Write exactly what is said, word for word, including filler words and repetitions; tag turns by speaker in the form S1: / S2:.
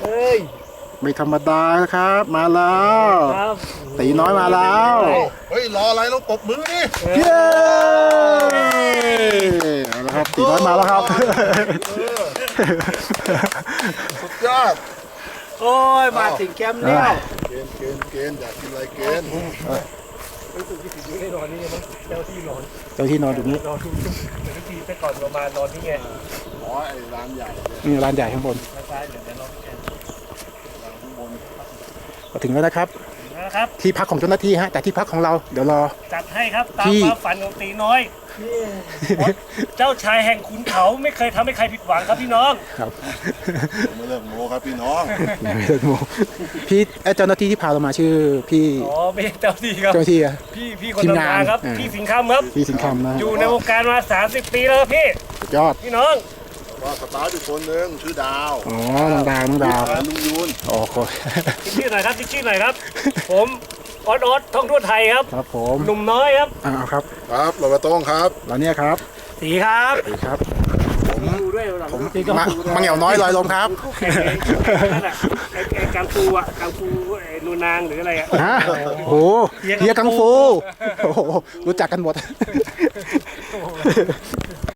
S1: ย
S2: ไม่ธรรมดานะครับมาแล้วตีน้อยมาแล้ว
S3: เฮ้ยรออะไรต้องปรบมือนี่
S2: เย้เอาละครับตีน้อยมาแล้วครับ
S3: สุดยอด
S1: โอ้ยมาถึงแคมป์แล้ว
S3: เกณฑ์เกณฑ์เกณฑ์อยากกินอะไรเกณฑ์
S1: รู้สึกที่สิบอยู่ให้นอนนี่มั้งเจ้าที่นอน
S2: เจ้าที่นอนอยู่นี้
S1: นอนทุกทุกทีแต่ก่อนประมาณนอนนี่ไง
S3: อ๋อไอ้ร้านใหญ่
S2: นี่ร้านใหญ่ข้างบน
S1: ซ้ายเดี๋ยวจะนอนแค่
S3: ข้างบน
S2: ก็ถึงแล้วนะครับ
S1: นะครับ
S2: ที่พักของเจ้าหน้าที่ฮะแต่ที่พักของเราเดี๋ยวรอ
S1: จัดให้ครับตามความฝันของตีน้อยเจ้าชายแห่งขุนเขาไม่เคยทำให้ใครผิดหวังครับพี่น้อง
S2: ครับ
S3: ไม่เลิกโม้ครับพี่น้อง
S2: ไม่เลิกโม้พี่เจ้าหน้าที่ที่พาเรามาชื่อพี่
S1: อ๋อไม่เจ้าที่ครับ
S2: เจ้าที่อะ
S1: พี่พี่คนทำงานครับพี่สิงห์คำครับ
S2: พี่สิงห์คำนะ
S1: อยู่ในวงการมาสามสิบปีแล้วพี่
S2: ยอด
S1: พี่น้อง
S3: ว่าสตาร์ทอยู่คนหนึ่งชื่อดาว
S2: อ๋อน้องดาวน้องดาว
S3: ลุงยูน
S2: โอ้โห
S1: ชื่อหน่อยครับชื่อหน่อยครับผมออสออสท่องทั่วไทยครับ
S2: ครับผม
S1: หนุ่มน้อยครับ
S2: อ่าครับ
S3: ครับเรามาต้องครับ
S2: แล้วเนี่ยครับ
S1: สีครับ
S2: สีครับ
S1: ผม
S2: ผมมังเหงี่ยวน้อยลอยลมครับ
S1: ไอ้กังฟูอ่ะกังฟูไอ้นูนางหรืออะไรอ่ะ
S2: ฮะโอ้โหเฮียกังฟูโอ้โหรู้จักกันหมด